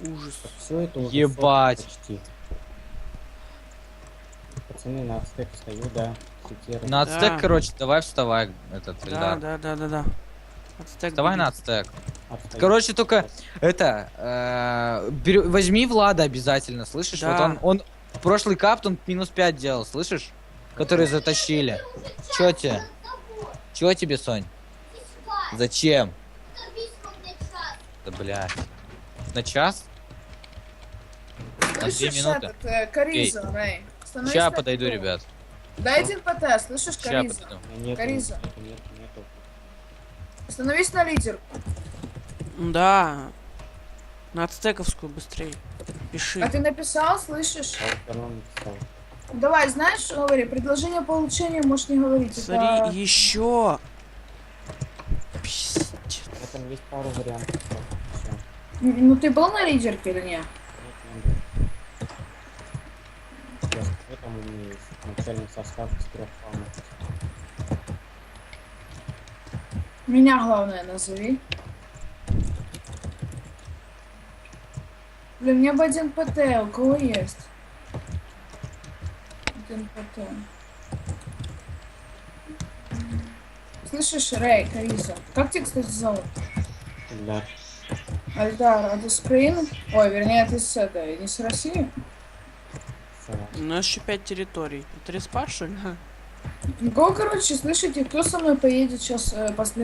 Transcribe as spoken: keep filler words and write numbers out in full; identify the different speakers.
Speaker 1: Ужас.
Speaker 2: Все это уже
Speaker 3: Ебать.
Speaker 2: сотка почти. Пацаны, на стек встаю, да. Цитирую.
Speaker 3: На
Speaker 1: Да.
Speaker 3: ацтек, короче, давай вставай, этот,
Speaker 1: Да,
Speaker 3: Эльдар.
Speaker 1: да, да, да, да. Ацтек
Speaker 3: Вставай
Speaker 1: беги.
Speaker 3: на ацтек.
Speaker 2: Отстаю.
Speaker 3: Короче, только это, э, берё- возьми Влада обязательно, слышишь?
Speaker 1: Да.
Speaker 3: Вот он, он прошлый капт, он минус пять делал, слышишь? Которые затащили. Чё тебе? Чё тебе, Сонь? Зачем? Да, блядь. На час? На две
Speaker 4: Слышишь,
Speaker 3: минуты?
Speaker 4: этот, э, Кариза, Рэй? Становись
Speaker 3: Ща
Speaker 4: на
Speaker 3: подойду,
Speaker 4: ПТ.
Speaker 3: ребят.
Speaker 4: Дай один ПТ, слышишь,
Speaker 3: Ща
Speaker 4: Кариза?
Speaker 3: подойду.
Speaker 2: У меня нету,
Speaker 4: Кариза.
Speaker 2: нету, нету, нету.
Speaker 4: Становись на лидер.
Speaker 1: Да. На ацтековскую быстрее. Пиши.
Speaker 4: А ты написал, слышишь?
Speaker 2: А вот оно написал.
Speaker 4: Давай, знаешь, что говори, предложение по улучшению можешь не говорить.
Speaker 1: Смотри,
Speaker 4: это...
Speaker 1: еще. Пиздец.
Speaker 2: В этом есть пару вариантов. Всё.
Speaker 4: Н- Ну ты был на лидерке или нет?
Speaker 2: Нет, не был. Я скажу, там у меня есть начальный состав из трех фанов.
Speaker 4: Меня главное назови. Блин, мне бы один ПТ, у кого есть? Один ПТ. Слышишь, Рэй, Кариза? Как тебя, кстати, зовут?
Speaker 2: Да.
Speaker 4: Альдар, а ты с Украины? Ой, вернее, ты с этой, не с России?
Speaker 2: Всё.
Speaker 1: У нас еще пять территорий. Это респа, что ли?
Speaker 4: Ну, кого, короче, слышите, кто со мной поедет сейчас э, после